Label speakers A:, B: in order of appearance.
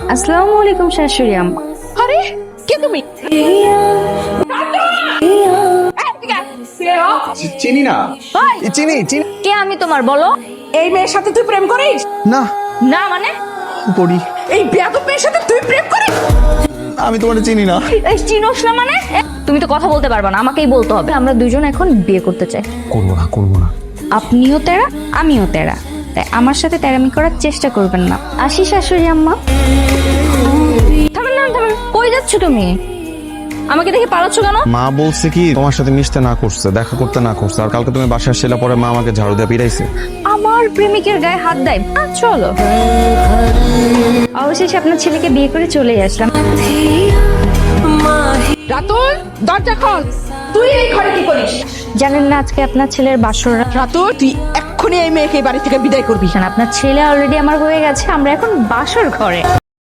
A: আসসালামু আলাইকুম শাশুড়ি আম্মা।
B: আরে কে তুমি?
C: চিনি না। চিনি চিনি
A: কে আমি তোমার বলো?
B: এই মেয়ের সাথে তুই প্রেম করিস?
C: না
A: না মানে?
C: করি।
B: এই বেয়াদব মেয়ের সাথে তুই প্রেম করিস?
C: আমি তোমার চিনি না।
A: এই চিনোস না মানে? তুমি তো কথা বলতে পারবা না, আমাকেই বলতে হবে। আমরা দুজন এখন বিয়ে করতে চাই।
C: করবো না।
A: আপনিও তেরা, আমিও তেরা, তাই আমার সাথে তেরামি করার চেষ্টা করবেন না। আসি শাশুড়ি আম্মা। থামেন না, থামেন। কই যাচ্ছ তুমি? আমাকে দেখে পালাচ্ছ কেন?
C: মা বলছে কি তোমার সাথে মিশতে না করছে, দেখা করতে না করছে, আর কালকে তুমি বাসায় আসছিলে পরে মা আমাকে ঝাড়ু দিয়ে পিটাইছে।
A: আমার প্রেমিকের গায়ে হাত দেয়? চলো। অবশেষে আপনার ছেলেকে বিয়ে করে চলে আসলাম।
B: রাতুল, দরজা খোল। তুই এই ঘরে কি করিস?
A: জানেন না আজকে আপনার ছেলের বাসর রাত?
B: রাতুল, তুই এক্ষুনি এই মেয়েকে এই বাড়ি থেকে বিদায় করবি।
A: আপনার ছেলে অলরেডি আমার হয়ে গেছে, আমরা এখন বাসর ঘরে।